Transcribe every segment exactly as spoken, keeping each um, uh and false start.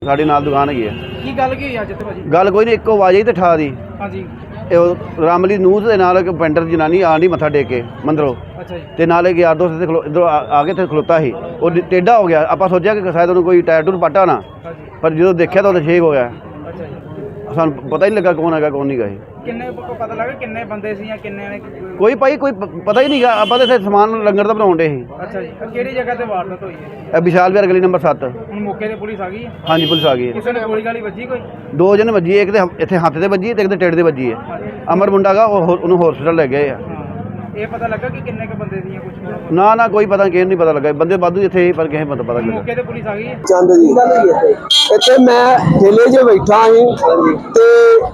साड़ी नाल दुकान है की गल की अज ते भाजी गल कोई नहीं एको आवाज आई तो ठा दी हाँ जी रामली नूह के नाल पेंटर जनानी आनी मत्था टेक के मंदरों अच्छा जी ते नाल एक यार दोस्त इधर आगे थे खलोता ही वो टेढ़ा हो गया। आप सोचा कि शायद उन्होंने कोई टायर टूर पाटा ना हाँ जी पर जो देखा तो छेक हो गया। अच्छा जी सानू पता ही नहीं लगा कौन है कौन नहीं गए। किन्ने को पता लगा किन्ने बंदे सी या किन्ने ने कोई भाई कोई पता ही नहीं गा। आप तो समान लंगर का बनाउंडे ही। अच्छा जी किहड़ी जगह ते वारदात हुई है ए विशाल विहार गली नंबर सत्त। हुण मौके ते पुलिस आ गई है हाँ जी पुलिस आ गई है। किसी ने गोली गाली बजी कोई दो जने वजी एक इतने हत्थ से वजी एक टेढ़ से वजी है। अमर मुंडा गा उन्होंने हॉस्पिटल ले गए। ये पता लगा कि किन्ने के बंदे सी कुछ ना ना कोई पता किसी नहीं पता लगा बंदे वाधू इतने ही पर किसी पता पता लगा। मौके ते पुलिस आ गई है चंद जी इतने मैं ठेले 'च बैठा ही ते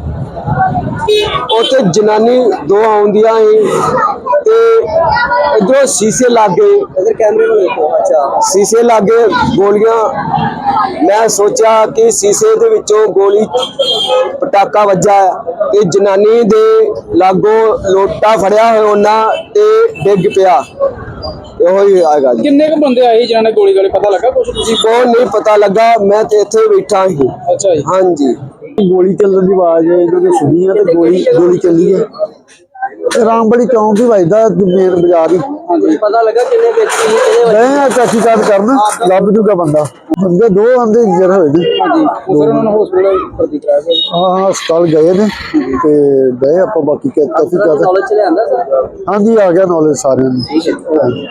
उत्थे जनानी दो आउंदियां ही ते इधरों शीशे लग गए इधर कैमरे में देखो। अच्छा शीशे लग गए गोलियां मैं सोचा कि शीशे दे विचों गोली पटाका वजा ते जनानी दे लागों लोटा फड़िया होया उन्हां ते डिग पिया। किन्ने के बंदे आए जिन्होंने गोली गाली पता लगा कुछ कौन नहीं पता लगा मैं तो इत्थे बैठा ही। अच्छा जी हाँ जी गोली चलने की आवाज जो सुनी है तो गोली गोली चली है रामबड़ी चौंक ही वजदा मेन बाजार ही पता लगा किन्ने व्यक्ति गए तहकीकात करन लभ जूगा बंदा बंदे दो आंदे जर होए ने फिर उन्होंने हॉस्पिटल भर्ती कराया हाँ हाँ अस्पताल गए ने ते गए आप बाकी तहकीकात नॉलेज चले आंदा सर हाँ जी आ गया नॉलेज सारे